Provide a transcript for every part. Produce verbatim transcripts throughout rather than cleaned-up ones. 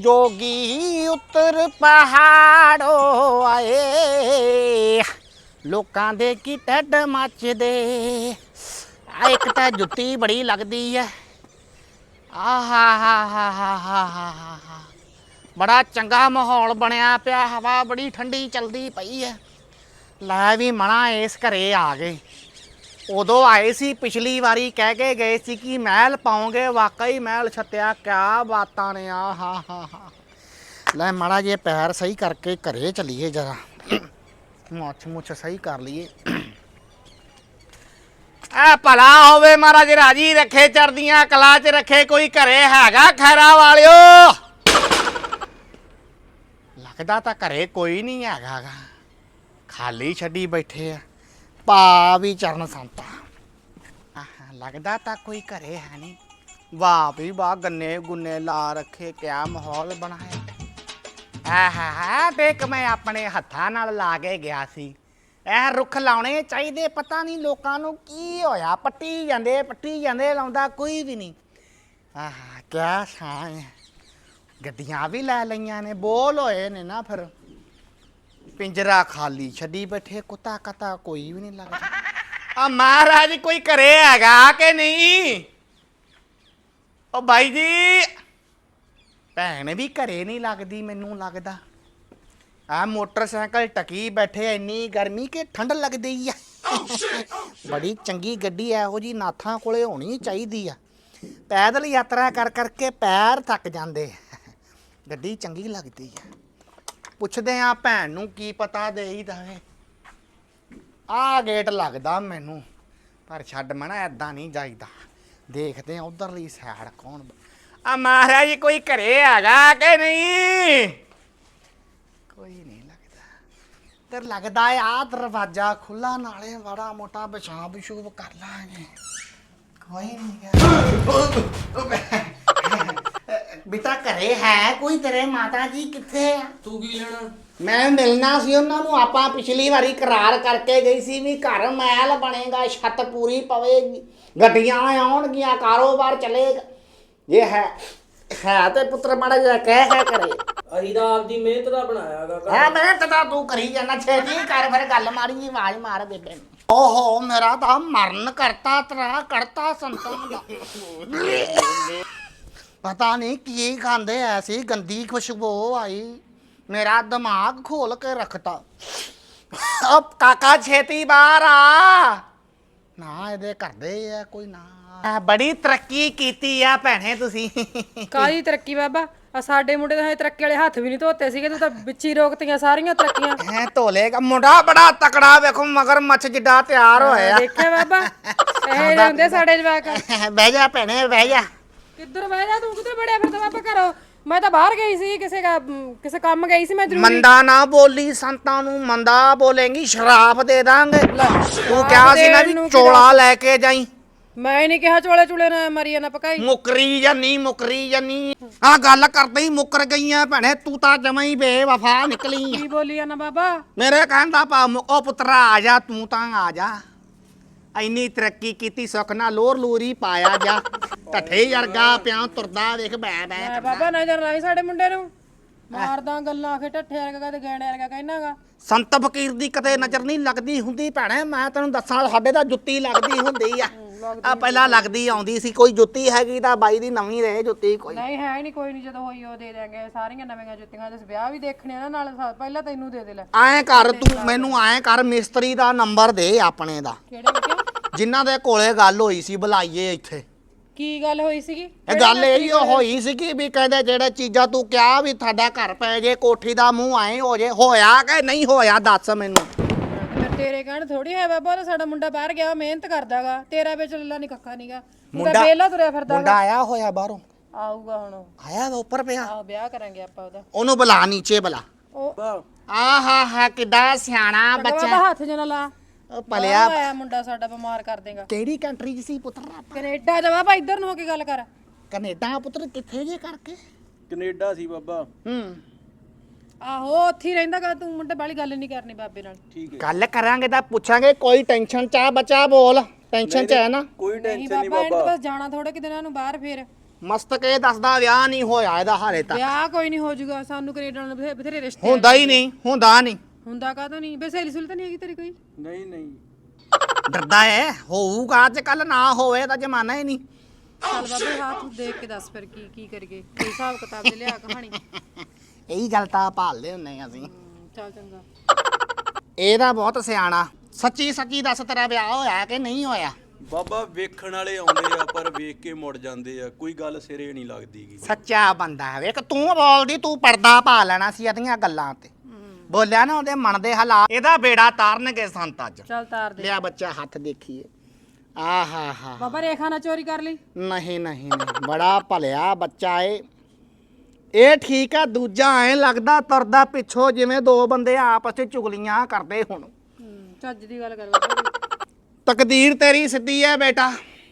जोगी उतर पहाड़ों आए लोकां दे की ढड मचदे। आ एक तां जुत्ती बड़ी लगदी है। आहा हा हा हा हा हा हा बड़ा चंगा माहौल बनया पिया, हवा बड़ी ठंडी चलदी पई है। लै भी मना इस घरे आ गए। उदों आए सी पिछली वारी कह के गए सी कि महल पाओगे, वाकई महल छत्या, क्या बातां ने। आ हा हा हा लै माड़ा जे पैर सही करके घरे चलीए, जरा मुछ मुछ सही कर लीए। आ भला होवे महाराज राजी रखे, चढ़दियां कला च रखे। कोई घरे हैगा खैरा वालियो? लगदा तां घरे कोई नहीं हैगा गा, खाली छड्डी बैठे आ। पा भी चरण संता लगदा तां कोई घरे है नहीं। वाह भी वाह, गन्ने गुन्ने ला रखे, क्या माहौल बनाया। आहा हा देख मैं अपने हत्थां नाल ला के गया सी। ਇਹ ਰੁੱਖ ਲਾਉਣੇ ਚਾਹੀਦੇ, ਪਤਾ ਨਹੀਂ ਲੋਕਾਂ ਨੂੰ ਕੀ ਹੋਇਆ, ਪੱਟੀ ਜਾਂਦੇ ਪੱਟੀ ਜਾਂਦੇ, ਲਾਉਂਦਾ ਕੋਈ ਵੀ ਨਹੀਂ। ਆਹ ਕਿਆ ਛਾਂ ਹੈ। ਗੱਡੀਆਂ ਵੀ ਲੈ ਲਈਆਂ ਨੇ, ਬੋਲ ਹੋਏ ਨੇ ਨਾ, ਫਿਰ ਪਿੰਜਰਾ ਖਾਲੀ ਛੱਡੀ ਬੈਠੇ, ਕੁੱਤਾ ਕਤਾ ਕੋਈ ਵੀ ਨਹੀਂ ਲੱਗਦਾ। ਆ ਮਹਾਰਾਜ ਕੋਈ ਘਰੇ ਹੈਗਾ ਕਿ ਨਹੀਂ? ਉਹ ਬਾਈ ਜੀ, ਭੈਣ ਵੀ ਘਰੇ ਨਹੀਂ ਲੱਗਦੀ ਮੈਨੂੰ ਲੱਗਦਾ। आ मोटरसाइकिल टकी बैठे, इन्नी गर्मी के ठंड लगती है। बड़ी चंगी गड्डी इहो जी नाथां कोले होनी चाहिदी आ। पैदल यात्रा कर करके पैर थक जाते, गड्डी चंगी लगती है। पुछदे आ भैन नूं की पता दे ही दवे। आ गेट लगदा मैनू, पर छड्ड मैं ना ऐदां नहीं जाईदा। देखते हैं उधरली सैड कौन। आ महाराज कोई घरे हैगा कि नहीं? कोई नहीं लगता। ते लगदा आ दरवाजा खुला, नाले बड़ा मोटा पेशाब पेशूब कर लांगे। कोई नहीं बेटा घरे है कोई तेरे? माता जी किथे? तू की लेना? मैं मिलना सी उन्हां नूं। आपां पिछली वारी करार करके गई सी भी घर महल बनेगा, छत पूरी पवेगी, गड्डियां आउणगियां, कारोबार चलेगा। ये है है ते पुत्र माड़ा जिहा कह है करे। ਅਸੀਂ ਤਾਂ ਆਪਦੀ ਮਿਹਨਤ ਦਾ ਬਣਾਇਆ ਹੈਗਾ ਘਰ। है मेहनत तां तू करी जाना, छेती कर फिर गल मारी, आवाज मार बेबे नूं। ओहो मेरा तां मरण करता तरा करता संतां दा। पता नहीं की खांदे, ऐसी गंदी खुशबू आई, मेरा दिमाग खोल के रखता। अब काका छेती बाहर आ ना, ਇਹਦੇ ਕਰਦੇ ਆ ਕੋਈ ਨਾ। ਬੜੀ ਤਰੱਕੀ ਕੀਤੀ ਆ ਭੈਣੇ ਤੁਸੀਂ। ਕਾਹਦੀ ਤਰੱਕੀ ਬਾਬਾ? ਆ ਸਾਡੇ ਮੁੰਡੇ ਦੇ ਤਰੱਕੀ ਵਾਲੇ ਹੱਥ ਵੀ ਨਹੀਂ ਧੋਤੇ ਸੀਗੇ, ਤੂੰ ਤਾਂ ਵਿੱਚੀ ਰੋਕਤੀਆਂ ਸਾਰੀਆਂ ਤਰੱਕੀਆਂ। ਐ ਧੋਲੇਗਾ ਮੁੰਡਾ ਬੜਾ ਤਕੜਾ, ਵੇਖੋ ਮਗਰ ਮੱਛ ਜਿੱਡਾ ਤਿਆਰ ਹੋਇਆ। ਦੇਖਿਆ ਬਾਬਾ ਇਹ ਹੁੰਦੇ ਸਾਡੇ ਜਵਾਕ। ਬਹਿ ਜਾ ਭੈਣੇ ਬਹਿ ਜਾ। ਕਿੱਧਰ ਬਹਿ ਜਾ? ਤੂੰ ਕਿੱਧਰ ਬੜਿਆ ਫਿਰਦਾ ਬਾਬਾ ਘਰੋਂ? ਮੈਂ ਤਾਂ ਬਾਹਰ ਗਈ ਸੀ, ਕਿਸੇ ਦਾ ਕਿਸੇ ਕੰਮ ਗਈ ਸੀ ਮੈਂ ਜ਼ਰੂਰੀ। ਮੰਦਾ ਨਾ ਬੋਲੀ, ਸੰਤਾਂ ਨੂੰ ਮੰਦਾ ਬੋਲੇਂਗੀ ਸ਼ਰਾਪ ਦੇ ਦਾਂਗੇ। ਤੂੰ ਕਿਹਾ ਸੀ ਨਾ ਵੀ ਚੋਲਾ ਲੈ ਕੇ ਜਾਈ। ਮੈਂ ਨਹੀਂ ਕਿਹਾ ਚੋਲੇ ਚੁਲੇ ਨਾ ਮਰੀਆ ਨਾ ਪਕਾਈ। ਮੁਕਰੀ ਜਾਂ ਨਹੀਂ ਮੁਕਰੀ ਜਾਂ ਨਹੀਂ, ਆ ਗੱਲ ਕਰਦੇ ਹੀ ਮੁਕਰ ਗਈਆਂ ਭੈਣੇ। ਤੂੰ ਤਾਂ ਜਮਾਂ ਹੀ ਬੇਵਫਾ ਨਿਕਲੀ ਆ। ਕੀ ਬੋਲੀ ਆ ਨਾ ਬਾਬਾ? ਮੇਰੇ ਕਹਿੰਦਾ ਪਾ ਉਹ ਪੁੱਤਰਾ ਆ ਜਾ, ਤੂੰ ਤਾਂ ਆ ਜਾ। ਇੰਨੀ ਤਰੱਕੀ ਕੀਤੀ, ਸੁੱਖ ਨਾਲ ਲੋਰ ਲੂਰੀ ਪਾਇਆ ਜਾ। ਢੱਠੇ ਵਰਗਾ ਪਿਆ ਤੁਰਦਾ, ਵੇਖ ਬੈ ਬੈ। ਬਾਬਾ ਨਜ਼ਰ ਲਾਈ ਸਾਡੇ ਮੁੰਡੇ ਨੂੰ, ਮਾਰਦਾ ਗੱਲਾਂ ਆਖੇ ਢੱਠੇ ਵਰਗਾ ਤੇ ਗੈਣੇ ਵਰਗਾ ਕਹਿਣਾਗਾ। ਸੰਤ ਫਕੀਰ ਦੀ ਕਦੇ ਨਜ਼ਰ ਨਹੀਂ ਲੱਗਦੀ ਹੁੰਦੀ ਭੈਣੇ, ਮੈਂ ਤੈਨੂੰ ਦੱਸਾਂ। ਸਾਡੇ ਤਾਂ ਜੁੱਤੀ ਲੱਗਦੀ ਹੁੰਦੀ ਆ, ਆ ਪਹਿਲਾਂ ਲੱਗਦੀ ਆਉਂਦੀ ਸੀ। ਕੋਈ ਜੁੱਤੀ ਹੈਗੀ ਤਾਂ ਬਾਈ ਦੀ ਨਵੀਂ ਰਹੇ ਜੁੱਤੀ। ਕੋਈ ਨਹੀਂ ਹੈ ਨਹੀਂ, ਕੋਈ ਨਹੀਂ, ਜਦੋਂ ਹੋਈ ਉਹ ਦੇ ਦੇਾਂਗੇ ਸਾਰੀਆਂ ਨਵੀਆਂ ਜੁੱਤੀਆਂ। ਤੇ ਵਿਆਹ ਵੀ ਦੇਖਣੇ ਆ ਨਾਲ, ਪਹਿਲਾਂ ਤੈਨੂੰ ਦੇ ਦੇ। ਲੈ ਐਂ ਕਰ ਤੂੰ, ਮੈਨੂੰ ਐਂ ਕਰ, ਮਿਸਤਰੀ ਦਾ ਨੰਬਰ ਦੇ ਆਪਣੇ ਦਾ, ਕਿਹੜੇ ਕਿਉਂ? ਜਿਨ੍ਹਾਂ ਦੇ ਕੋਲੇ ਗੱਲ ਹੋਈ ਸੀ, ਬੁਲਾਈਏ ਇੱਥੇ। ਕੀ ਗੱਲ ਹੋਈ ਸੀਗੀ? ਇਹ ਗੱਲ ਇਹ ਹੋਈ ਸੀਗੀ ਵੀ ਕਹਿੰਦੇ ਜਿਹੜੇ ਚੀਜ਼ਾਂ ਤੂੰ ਕਿਹਾ ਵੀ ਤੁਹਾਡਾ ਘਰ ਪੈ ਜੇ, ਕੋਠੀ ਦਾ ਮੂੰਹ ਐਂ ਹੋ ਜੇ, ਹੋਇਆ ਕਿ ਨਹੀਂ ਹੋਇਆ ਦੱਸ ਮੈਨੂੰ। ਤੇਰੇ ਕਹਿਣ ਥੋੜੀ ਹੈ ਬਾਬਾ, ਉਹ ਸਾਡਾ ਮੁੰਡਾ ਬਾਹਰ ਗਿਆ, ਮਿਹਨਤ ਕਰਦਾਗਾ। ਤੇਰਾ ਵਿੱਚ ਲੱਲਾ ਨਹੀਂ ਕੱਖਾ ਨਹੀਂਗਾ, ਮੁੰਡਾ ਵੇਲਾ ਤੁਰਿਆ ਫਿਰਦਾ। ਮੁੰਡਾ ਆਇਆ ਹੋਇਆ ਬਾਹਰੋਂ? ਆਊਗਾ ਹੁਣ, ਆਇਆ ਵਾ ਉੱਪਰ ਪਿਆ। ਆਹ ਵਿਆਹ ਕਰਾਂਗੇ ਆਪਾਂ ਉਹਦਾ। ਉਹਨੂੰ ਬੁਲਾ ਨੀਚੇ ਬੁਲਾ। ਉਹ ਆਹਾ ਹਾ ਕਿੱਡਾ ਸਿਆਣਾ ਬੱਚਾ। ਹੱਥ ਜਨਾ ਲਾ। ਉਹ ਪਲਿਆ ਆਇਆ ਮੁੰਡਾ ਸਾਡਾ ਬਿਮਾਰ ਕਰ ਦੇਗਾ। ਕਿਹੜੀ ਕੰਟਰੀ 'ਚ ਸੀ ਪੁੱਤਰ? ਕੈਨੇਡਾ ਜਾ ਬਾਬਾ, ਇੱਧਰ ਨੂੰ ਹੋ ਕੇ ਗੱਲ ਕਰ। ਕੈਨੇਡਾ ਪੁੱਤਰ ਕਿੱਥੇ ਜੇ ਕਰਕੇ? ਕੈਨੇਡਾ ਸੀ ਬਾਬਾ। ਹੂੰ ਆਹੋ ਉੱਥੇ ਹੀ ਰਹਿੰਦਾਗਾ। ਤੂੰ ਮੁੰਡੇ ਵਾਲੀ ਗੱਲ ਨਹੀਂ ਕਰਨੀ ਬਾਬੇ ਨਾਲ। ਠੀਕ ਹੈ, ਗੱਲ ਕਰਾਂਗੇ ਤਾਂ ਪੁੱਛਾਂਗੇ। ਕੋਈ ਟੈਨਸ਼ਨ ਚ ਆ ਬੱਚਾ? ਬੋਲ, ਟੈਨਸ਼ਨ ਚ ਹੈ ਨਾ? ਕੋਈ ਨਹੀਂ ਟੈਨਸ਼ਨ ਨਹੀਂ ਬਾਬਾ, ਇਹਨੂੰ ਬਾਬਾ। ਬਸ ਜਾਣਾ ਥੋੜੇ ਕਿ ਦਿਨਾਂ ਨੂੰ ਬਾਹਰ। ਫੇਰ ਮਸਤਕ ਇਹ ਦੱਸਦਾ ਵਿਆਹ ਨਹੀਂ ਹੋਇਆ ਇਹਦਾ ਹਾਲੇ ਤੱਕ। ਵਿਆਹ ਕੋਈ ਨਹੀਂ ਹੋ ਜਾਊਗਾ, ਸਾਨੂੰ ਕੈਨੇਡਾ ਨਾਲ ਬਥੇ- ਬਥੇਰੇ ਰਿਸ਼ਤੇ ਹੁੰਦਾ ਹੀ ਨਹੀਂ, ਹੁੰਦਾ ਨਹੀਂ। ਹੁੰਦਾ ਕਾਹਤੋਂ ਨਹੀਂ ਬੇ ਸਹੇਲੀ ਸੁਲੀ ਤਾਂ ਨਹੀਂ ਹੈਗੀ ਤੇਰੀ ਕੋਈ? ਨਹੀਂ ਨਹੀਂ ਡਰਦਾ ਹੈ ਹੋਊਗਾ ਅੱਜ ਕੱਲ, ਨਾ ਹੋਵੇ ਤਾਂ ਜ਼ਮਾਨਾ ਹੀ ਨਹੀਂ। ਚੱਲ ਬਾਬੇ ਹੱਥ ਦੇਖ ਕੇ ਦੱਸ ਫਿਰ ਕੀ ਕੀ ਕਰੀਏ, ਕੋਈ ਹਿਸਾਬ ਕਿਤਾਬ ਦੇ ਲਿਆ ਕਹਾਣੀ। ਇਹੀ ਗੱਲ ਤਾਂ ਭਾਲਦੇ ਹੁੰਨੇ ਆ ਅਸੀਂ। ਹਮ, ਚੱਲ ਚੰਗਾ। ਇਹਦਾ ਬਹੁਤ ਸਿਆਣਾ। ਸੱਚੀ ਸੱਚੀ ਦੱਸ ਤੇਰਾ ਵਿਆਹ ਹੋਇਆ ਕਿ ਨਹੀਂ ਹੋਇਆ? ਬਾਬਾ ਵੇਖਣ ਵਾਲੇ ਆਉਂਦੇ ਆ ਪਰ ਵੇਖ ਕੇ ਮੁੜ ਜਾਂਦੇ ਆ, ਕੋਈ ਗੱਲ ਸਿਰੇ ਨਹੀਂ ਲੱਗਦੀਗੀ। ਸੱਚਾ ਬੰਦਾ ਹੈ। ਵੇਖ ਤੂੰ ਬੋਲਦੀ, ਤੂੰ ਪਰਦਾ ਪਾ ਲੈਣਾ ਸੀ ਇਹਦੀਆਂ ਗੱਲਾਂ ਤੇ। ਬੋਲਿਆ ਨਾ ਉਹਦੇ ਮਨ ਦੇ ਹਾਲਾਤ। ਇਹਦਾ ਬੇੜਾ ਤਾਰਨਗੇ ਸੰਤ ਅੱਜ। ਚੱਲ ਤਾਰ ਦੇ। ਲਿਆ ਬੱਚਾ ਹੱਥ ਦੇਖੀਏ। ਆਹਾ ਹਾ। ਬਾਬਾ ਰੇਖਾ ਨਾ ਚੋਰੀ ਕਰ ਲਈ। ਨਹੀਂ ਨਹੀਂ ਨਹੀਂ, ਬੜਾ ਭਲਿਆ ਬੱਚਾ ਏ ਇਹ। ਠੀਕ ਆ। ਦੂਜਾ ਐ ਲੱਗਦਾ ਤੁਰਦਾ ਪਿੱਛੋਂ ਜਿਵੇਂ ਦੋ ਬੰਦੇ ਆਪਸ ਵਿੱਚ ਚੁਗਲੀਆਂ ਕਰਦੇ ਹੁਣ। ਹਮ, ਚੱਜ ਦੀ ਗੱਲ ਕਰ ਬਾਬਾ। ਤਕਦੀਰ ਤੇਰੀ ਸਿੱਧੀ ਹੈ ਬੇਟਾ,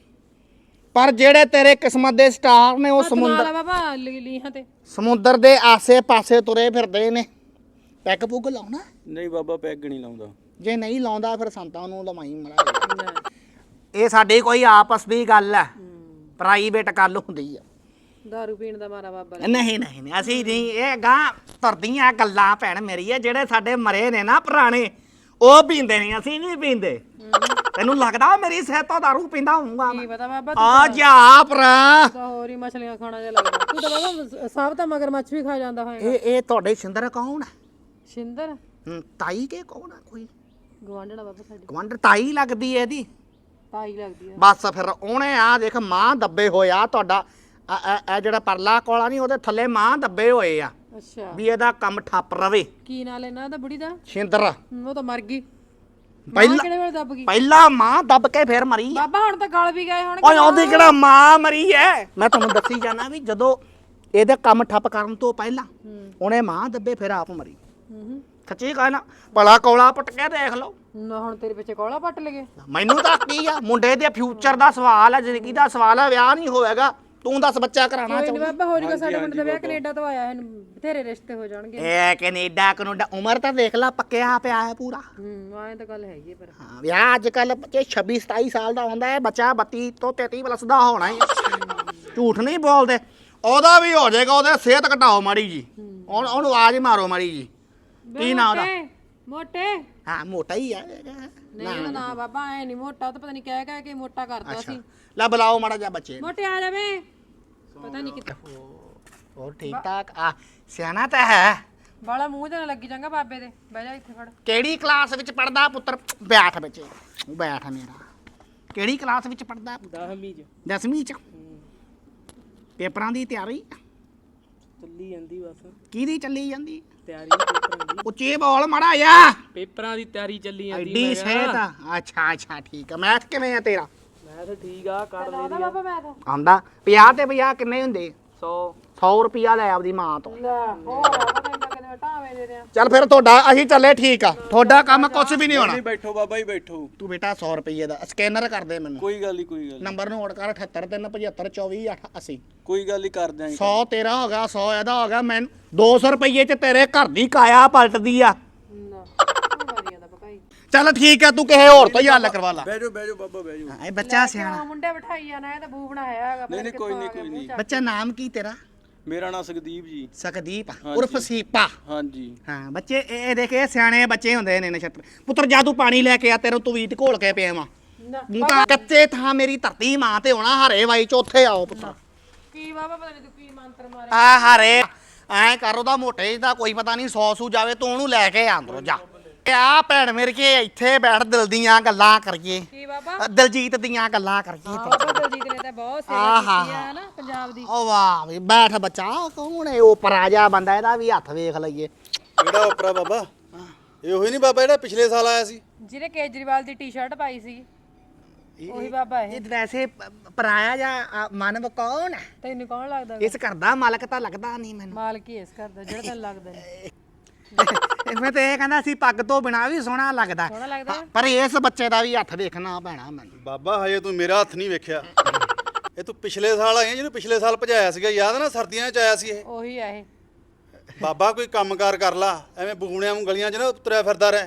ਪਰ ਜਿਹੜੇ ਤੇਰੇ ਕਿਸਮਤ ਦੇ ਸਟਾਰ ਨੇ ਉਹ ਸਮੁੰਦਰ ਬਾਬਾ ਲੀਹਾਂ ਤੇ ਸਮੁੰਦਰ ਦੇ ਆਸੇ-ਪਾਸੇ ਤੁਰੇ ਫਿਰਦੇ ਨੇ। ਪੈਗ ਪੁੱਗ ਲਾਉਣਾ? ਨਹੀਂ ਬਾਬਾ ਪੈਗ ਨਹੀਂ ਲਾਉਂਦਾ। ਜੇ ਨਹੀਂ ਲਾਉਂਦਾ ਫਿਰ ਸੰਤਾਂ ਨੂੰ ਲਵਾਈ ਮੜਾ। ਇਹ ਸਾਡੀ ਕੋਈ ਆਪਸ ਦੀ ਗੱਲ ਹੈ, ਪ੍ਰਾਈਵੇਟ ਗੱਲ ਹੁੰਦੀ ਆ। ਦਾਰੂ ਪੀਣ ਦਾ ਮਾਰਾ ਬਾਬਾ। ਨਹੀਂ ਨਹੀਂ ਨਹੀਂ, ਅਸੀਂ ਨਹੀਂ। ਇਹ ਗਾਂ ਤੁਰਦੀਆਂ ਗੱਲਾਂ ਭੈਣ ਮੇਰੀ ਹੈ। ਜਿਹੜੇ ਸਾਡੇ ਮਰੇ ਨੇ ਨਾ ਪੁਰਾਣੇ, ਉਹ ਪੀਂਦੇ ਨਹੀਂ, ਅਸੀਂ ਨਹੀਂ ਪੀਂਦੇ। ਤੈਨੂੰ ਲੱਗਦਾ ਮੇਰੀ ਸਿਹਤ ਤੋਂ ਦਾਰੂ ਪੀਂਦਾ ਹੋਊਗਾ? ਕੀ ਪਤਾ ਬਾਬਾ, ਆ ਜਾ ਭਰਾ। ਤਾਂ ਹੋਰ ਹੀ ਮਛਲੀਆਂ ਖਾਣਾ ਜਿਹਾ ਲੱਗਦਾ। ਤੂੰ ਤਾਂ ਬਾਬਾ ਸਭ ਤਾਂ ਮਗਰਮੱਛ ਵੀ ਖਾ ਜਾਂਦਾ ਹੋਏਗਾ। ਇਹ ਇਹ ਤੁਹਾਡੇ ਸਿੰਦਰ ਕੌਣ ਹੈ? ਸ਼ਿੰਦਰ ਹੂੰ, ਤਾਈ ਕੇ ਕੌਣ ਆ? ਕੋਈ ਗਵਾਂਢਣਾ ਬਾਬਾ ਸਾਡੀ ਗਵੰਡਰ ਤਾਈ ਲੱਗਦੀ ਹੈ ਇਹਦੀ। ਤਾਈ ਲੱਗਦੀ ਆ। ਬਸ ਫਿਰ ਉਹਨੇ ਆ ਦੇਖ ਮਾਂ ਦੱਬੇ ਹੋਇਆ ਤੁਹਾਡਾ। ਇਹ ਜਿਹੜਾ ਪਰਲਾ ਕੋਲਾ ਨਹੀਂ, ਉਹਦੇ ਥੱਲੇ ਮਾਂ ਦੱਬੇ ਹੋਏ ਆ ਅੱਛਾ, ਵੀ ਇਹਦਾ ਕੰਮ ਠੱਪ ਰਵੇ। ਕੀ ਨਾਂ ਲੈਣਾ ਉਹਦਾ ਬੁੜੀ ਦਾ? ਸਿੰਦਰ। ਹਮ, ਉਹ ਤਾਂ ਮਰ ਗਈ। ਪਹਿਲਾਂ ਕਿਹੜੇ ਵੇਲੇ ਦੱਬ ਗਈ? ਪਹਿਲਾਂ ਮਾਂ ਦੱਬ ਕੇ ਫਿਰ ਮਰੀ ਆ। ਬਾਬਾ ਹੁਣ ਤਾਂ ਗਲ ਵੀ ਗਏ ਹੁਣ। ਓਏ ਉਹਦੀ ਕਿਹੜਾ ਮਾਂ ਮਰੀ ਐ? ਮੈਂ ਤੁਹਾਨੂੰ ਦੱਸੀ ਜਾਣਾ ਵੀ ਜਦੋਂ ਇਹਦੇ ਕੰਮ ਠੱਪ ਕਰਨ ਤੋਂ ਪਹਿਲਾਂ ਉਹਨੇ ਮਾਂ ਦੱਬੇ ਫਿਰ ਆਪ ਮਰੀ। ਹੂੰ ਸੱਚੀ ਕਹਿਣਾ, ਭਲਾ ਕੋਲਾ ਪੁੱਟ ਕੇ ਦੇਖ ਲਓ। ਨਾ ਹੁਣ ਤੇਰੇ ਪਿੱਛੇ ਕੋਲਾ ਪੱਟ ਲਗੇ। ਮੈਨੂੰ ਤਾਂ ਕੀ ਆ, ਮੁੰਡੇ ਦੇ ਫਿਊਚਰ ਦਾ ਸਵਾਲ ਹੈ, ਜ਼ਿੰਦਗੀ ਦਾ ਸਵਾਲ ਹੈ। ਵਿਆਹ ਨਹੀਂ ਹੋਏਗਾ, ਤੂੰ ਦੱਸ ਬੱਚਾ ਕਰਾਉਣਾ ਕੋਈ ਨਹੀਂ ਚਾਹੁੰਦਾ? ਬਾਬਾ ਹੋ ਜਾਊਗਾ। ਸਾਡੇ ਮੁੰਡੇ ਦਾ ਵਿਆਹ ਕੈਨੇਡਾ ਤੋਂ ਆਇਆ ਹੈ, ਬਥੇਰੇ ਰਿਸ਼ਤੇ ਹੋ ਜਾਣਗੇ। ਇਹ ਕੈਨੇਡਾ ਕਨੂਡਾ ਉਮਰ ਤਾਂ ਦੇਖ ਲਾ ਪੱਕਿਆ ਪਿਆ ਹੈ ਪੂਰਾ। ਹੂੰ ਆਏ ਤਾਂ ਗੱਲ ਹੈਗੀ ਪਰ ਹਾਂ, ਵਿਆਹ ਅੱਜ ਕੱਲ ਬੱਚੇ ਛੱਬੀ ਸਤਾਈ ਸਾਲ ਦਾ ਹੁੰਦਾ ਹੈ, ਬੱਚਾ ਬੱਤੀ ਤੋਂ ਤੇਤੀ ਪਲੱਸ ਦਾ ਹੋਣਾ ਹੀ। ਝੂਠ ਨਹੀਂ ਬੋਲਦੇ। ਉਹਦਾ ਵੀ ਹੋ ਜਾਏਗਾ। ਉਹਦੇ ਸਿਹਤ ਘਟਾਓ ਮਾੜੀ ਜੀ, ਉਹਨੂੰ ਉਹਨੂੰ ਆਵਾਜ਼ ਮਾਰੋ ਮਾੜੀ ਜੀ। ਕੀ ਨਾਂ ਉਹਦਾ? ਮੋਟੇ। ਹਾਂ ਮੋਟਾ ਹੀ ਆ। ਨਹੀਂ ਉਹਦਾ ਨਾਂ ਬਾਬਾ ਐ ਨਹੀਂ ਮੋਟਾ, ਉਹ ਤਾਂ ਪਤਾ ਨਹੀਂ ਕਹਿ ਕਹਿ ਕੇ ਮੋਟਾ ਕਰਦਾ ਸੀ। ਲੈ ਬੁਲਾਓ ਮਾੜਾ ਜਿਹਾ ਬੱਚੇ। ਮੋਟੇ ਆ ਜਾਵੇ। ਪਤਾ ਨਹੀਂ ਕਿੱਥੇ ਹੋਰ ਠੀਕ ਠਾਕ ਆ? ਸਿਆਣਾ ਤਾਂ ਹੈ। ਬਾਲਾ ਮੂੰਹ ਤੇ ਨਾ ਲੱਗੀ ਜਾਂਗਾ ਬਾਬੇ ਦੇ। ਬਹਿ ਜਾ ਇੱਥੇ ਫੜ। ਕਿਹੜੀ ਕਲਾਸ ਵਿੱਚ ਪੜਦਾ ਪੁੱਤਰ? ਬੈਠ ਬੱਚੇ, ਬੈਠ ਮੇਰਾ। ਕਿਹੜੀ ਕਲਾਸ ਵਿੱਚ ਪੜਦਾ? ਦਸਵੀਂ ਚ। ਦਸਵੀਂ ਚ। ਪੇਪਰਾਂ ਦੀ ਤਿਆਰੀ ਚੱਲੀ ਜਾਂਦੀ ਬਸ। ਕਿਹਦੀ ਚੱਲੀ ਜਾਂਦੀ? ਤਿਆਰੀ ਪੇਪਰਾਂ ਦੀ। ਉੱਚੀ ਬੋਲ ਮਾੜਾ ਜਾ। ਪੇਪਰਾਂ ਦੀ ਤਿਆਰੀ ਚੱਲੀ ਜਾਂਦੀ। ਐਡੀ ਸਿਹਤ ਆ? ਅੱਛਾ ਅੱਛਾ ਠੀਕ ਆ। ਮੈਥ ਕਿਵੇਂ ਆ ਤੇਰਾ? ਮੈਂ ਤਾਂ ਠੀਕ ਆ, ਕਰ ਲੈ ਆਉਂਦਾ ਬਾਬਾ ਮੈਂ ਤਾਂ ਆਉਂਦਾ? ਪੰਜਾਹ ਤੇ ਪੰਜਾਹ ਕਿੰਨੇ ਹੁੰਦੇ? ਸੌ। ਸੌ ਰੁਪਿਆ ਲੈ ਆਪਦੀ ਮਾਂ ਤੋਂ। ਲੈ ਹੋਰ ਆ ਪਤਾ ਨਹੀਂ ਕਿੰਨੇ ਟਾਵੇਂ ਦੇ ਰਿਆ। ਚੱਲ ਫਿਰ ਤੁਹਾਡਾ ਅਸੀਂ ਚੱਲੇ। ਠੀਕ ਆ, ਤੁਹਾਡਾ ਕੰਮ ਕੁਝ ਵੀ ਨਹੀਂ ਹੋਣਾ। ਨਹੀਂ ਬੈਠੋ ਬਾਬਾ ਜੀ ਬੈਠੋ। ਤੂੰ ਬੇਟਾ ਸੌ ਰੁਪਏ ਦਾ ਸਕੈਨਰ ਕਰ ਦੇ ਮੈਨੂੰ। ਕੋਈ ਗੱਲ ਨਹੀਂ ਕੋਈ ਗੱਲ ਨੀ। ਨੰਬਰ ਨੋਟ ਕਰ ਅਠੱਤਰ ਤਿੰਨ ਪਝੱਤਰ ਚੌਵੀ ਅੱਠ ਅੱਸੀ। ਕੋਈ ਗੱਲ ਨਹੀਂ ਕਰ ਦਿਆਂਗੇ। ਸੌ ਤੇਰਾ ਹੋ ਗਿਆ, ਸੌ ਇਹਦਾ ਹੋ ਗਿਆ। ਮੈਂ ਦੋ ਸੌ ਰੁਪਏ ਚ ਤੇਰੇ ਘਰ ਦੀ ਕਾਇਆ ਪਲਟਦੀ ਆ। ਨਾ ਵਾਰੀਆਂ ਦਾ ਪਕਾਈ। ਚੱਲ ਠੀਕ ਆ, ਤੂੰ ਕਿਸੇ ਹੋਰ ਤੋਂ ਹੀ ਹੱਲ ਕਰਵਾ ਲਾ। ਬਹਿ ਜਾਓ ਬਹਿ ਜਾਓ ਬਾਬਾ ਬਹਿ ਜਾਓ। ਇਹ ਬੱਚਾ ਸਿਆਣਾ। ਮੁੰਡੇ ਬਿਠਾਈ ਜਾਣਾ, ਇਹ ਤਾਂ ਬੂ ਬਣਾਇਆ ਹੈਗਾ। ਨਹੀਂ ਨਹੀਂ ਕੋਈ ਨਹੀਂ ਕੋਈ ਨਹੀਂ। ਬੱਚਾ ਨਾਮ ਕੀ ਤੇਰਾ? ਮੇਰਾ ਨਾਮ ਸੁਖਦੀਪ ਜੀ। ਸਕਦੀਪ ਹਾਂਜੀ। ਉਰਫ ਸੀਪਾ। ਹਾਂਜੀ। ਹਾਂ ਬੱਚੇ ਇਹ ਇਹ ਦੇਖ, ਇਹ ਸਿਆਣੇ ਬੱਚੇ ਹੁੰਦੇ ਨੇ ਨਛੱਤਰ ਪੁੱਤਰ। ਜਾ ਤੂੰ ਪਾਣੀ ਲੈ ਕੇ ਆ, ਤੇਰੇ ਤੂੰ ਵੀਟ ਘੋਲ ਕੇ ਪਿਆ ਵਾ। ਮੂੰਹ ਤਾਂ ਕੱਚੇ ਥਾਂ ਮੇਰੀ ਧਰਤੀ ਮਾਂ ਤੇ ਹੋਣਾ। ਹਰੇ ਵਾਈ ਚ ਉੱਥੇ ਆਓ ਪੁੱਤਰ। ਕੀ ਬਾਬਾ ਪਤਾ ਨਹੀਂ ਤੂੰ ਕੀ ਮੰਤਰ ਮਾਰੇ। ਆ ਹਰੇ ਐ ਕਰ, ਉਹਦਾ ਮੋਟੇ ਦਾ ਕੋਈ ਪਤਾ ਨਹੀਂ। ਸੌ ਸੂ ਜਾਵੇ ਤੂੰ ਉਹਨੂੰ ਲੈ ਕੇ ਆ ਅੰਦਰੋਂ ਜਾ। ਆ ਭੈਣ ਮੇਰੇ ਕੇ ਇੱਥੇ ਬੈਠ, ਦਿਲ ਦੀਆਂ ਗੱਲਾਂ ਕਰੀਏ। ਕੀ ਬਾਬਾ? ਦਲਜੀਤ ਦੀਆਂ ਗੱਲਾਂ ਕਰੀਏ। ਬਾਬਾ ਦਲਜੀਤ ਨੇ ਤਾਂ ਬਹੁਤ ਸੇਵਾ ਕੀਤੀ ਆ ਨਾ ਪੰਜਾਬ ਦੀ। ਓ ਵਾਹ ਵੀ ਬੈਠ ਬੱਚਾ। ਕੌਣ ਹੈ ਉਹ ਪਰਾਜਾ ਬੰਦਾ? ਇਹਦਾ ਵੀ ਹੱਥ ਵੇਖ ਲਈਏ। ਕਿਹੜਾ ਉਪਰਾ ਬਾਬਾ? ਇਹ ਉਹੀ ਨਹੀਂ ਬਾਬਾ ਜਿਹੜਾ ਪਿਛਲੇ ਸਾਲ ਆਇਆ ਸੀ? ਜਿਹਨੇ ਕੇਜਰੀਵਾਲ ਦੀ ਟੀ-ਸ਼ਰਟ ਪਾਈ ਸੀ, ਉਹੀ ਬਾਬਾ ਇਹ। ਇਹ ਵੈਸੇ ਪਰਾਇਆ ਜਾਂ ਮਾਨਵ ਕੌਣ ਹੈ? ਤੈਨੂੰ ਕੌਣ ਲੱਗਦਾ? ਇਸ ਘਰ ਦਾ ਮਾਲਕ ਤਾਂ ਲੱਗਦਾ ਨਹੀਂ ਮੈਨੂੰ। ਮਾਲਕ ਹੀ ਇਸ ਘਰ ਦਾ ਜਿਹੜਾ ਤੈਨੂੰ ਲੱਗਦਾ ਨਹੀਂ। ਮੈਂ ਤੇ ਇਹ ਕਹਿੰਦਾ ਸੀ ਪੱਗ ਤੋਂ ਬਿਨਾ ਵੀ ਸੋਹਣਾ ਲੱਗਦਾ। ਸੋਹਣਾ ਲੱਗਦਾ? ਪਰ ਇਸ ਬੱਚੇ ਦਾ ਵੀ ਹੱਥ ਦੇਖਣਾ ਪੈਣਾ ਮੈਨੂੰ। ਬਾਬਾ ਹਜੇ ਤੂੰ ਮੇਰਾ ਹੱਥ ਨਹੀਂ ਵੇਖਿਆ। ਇਹ ਤੂੰ ਪਿਛਲੇ ਸਾਲ ਆਈ ਜਿਹਨੂੰ ਪਿਛਲੇ ਸਾਲ ਭਜਾਇਆ ਸੀਗਾ, ਯਾਦ ਨਾ? ਸਰਦੀਆਂ 'ਚ ਆਇਆ ਸੀ ਇਹ। ਉਹੀ ਆ ਇਹ। ਬਾਬਾ ਕੋਈ ਕੰਮਕਾਰ ਕਰ ਲਾ, ਐਵੇਂ ਬੂਣਿਆਂ ਨੂੰ ਗਲੀਆਂ 'ਚ ਨਾ ਤੁਰਿਆ ਫਿਰਦਾ ਰਹਿ।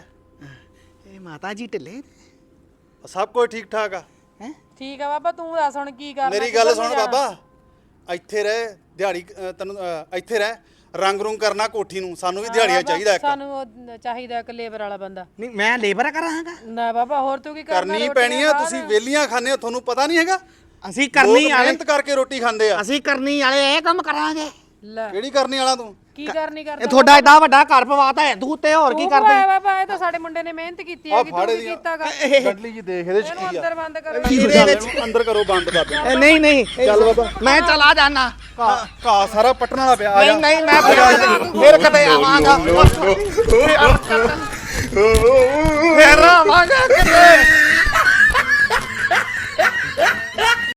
ਇਹ ਮਾਤਾ ਜੀ ਢਿੱਲੇ ਸਭ ਕੁਝ ਠੀਕ ਠਾਕ ਆ। ਹੈ? ਠੀਕ ਆ ਬਾਬਾ, ਤੂੰ ਦੱਸ ਹੁਣ ਕੀ ਕਰਨਾ? ਮੇਰੀ ਗੱਲ ਸੁਣ ਬਾਬਾ, ਇੱਥੇ ਰਹਿ ਦਿਹਾੜੀ ਅ, ਤੈਨੂੰ ਅ, ਇੱਥੇ ਰਹਿ ਰੰਗ ਰੁੰਗ ਕਰਨਾ ਕੋਠੀ ਨੂੰ ਸਾਨੂੰ ਵੀ ਦਿਹਾੜੀਆਂ ਚਾਹੀਦਾ ਇੱਕ ਸਾਨੂੰ ਉਹ ਚਾਹੀਦਾ ਇੱਕ ਲੇਬਰ ਵਾਲਾ ਬੰਦਾ। ਨਹੀਂ ਮੈਂ ਲੇਬਰ ਕਰਾਂਗਾ। ਨਾ ਬਾਬਾ ਹੋਰ ਤੂੰ ਕੀ ਕਰਨਾ? ਕਰਨੀ ਰੋਟੀਆਂ ਪੈਣੀ ਆ। ਬਾਹਰ। ਤੁਸੀਂ ਵੇਲੀਆਂ ਖਾਂਦੇ ਹੋ, ਤੁਹਾਨੂੰ ਪਤਾ ਨਹੀਂ ਹੈਗਾ। ਅਸੀਂ ਲੋਕ ਕਰਨੀ ਵਾਲੇ ਮਿਹਨਤ ਕਰਕੇ ਰੋਟੀ ਖਾਂਦੇ ਆ। ਅਸੀਂ ਕਰਨੀ ਵਾਲੇ ਇਹ ਕੰਮ ਕਰਾਂਗੇ। ਲੈ ਕਿਹੜੀ ਕਰਨੀ ਵਾਲਾ ਤੂੰ? ਕੀ ਕਰਨੀ ਕਰਦਾ? ਇਹ ਤੁਹਾਡਾ ਏਡਾ ਵੱਡਾ ਘਰ ਪਵਾਤਾ ਹੈ ਤੂੰ ਤੇ ਹੋਰ ਕੀ ਤੂੰ ਕਰਦੇ? ਪਾਇਆ ਬਾਬਾ, ਇਹ ਤਾਂ ਸਾਡੇ ਮੁੰਡੇ ਨੇ ਮਿਹਨਤ ਕੀਤੀ ਹੈ ਕਿ ਤੂੰ ਫਾੜੇ ਕੀ ਦੀਆਂ ਕੀਤਾਗਾ? ਗੱਡਲੀ ਜੀ ਦੇਖ ਇਹਦੇ ਚ ਇਹਨੂੰ ਕੀ ਆ। ਅੰਦਰ ਬੰਦ ਕਰੋ। ਇਹਦੇ ਵਿੱਚ ਇਹਨੂੰ ਅੰਦਰ ਕਰੋ ਬੰਦ ਕਰ ਦੇ। ਇਹ ਨਹੀਂ ਨਹੀਂ ਚੱਲ ਬਾਬਾ। ਮੈਂ ਚਲਾ ਜਾਣਾ। ਘਾਹ ਸਾਰਾ ਪੱਟਣ ਵਾਲਾ ਪਿਆ। ਆ ਨਹੀਂ ਜਾ। ਨਹੀਂ ਮੈਂ ਫਿਰ ਕਦੇ ਆਵਾਂਗਾ ਫਿਰ ਆਵਾਂਗਾ ਕਿਤੇ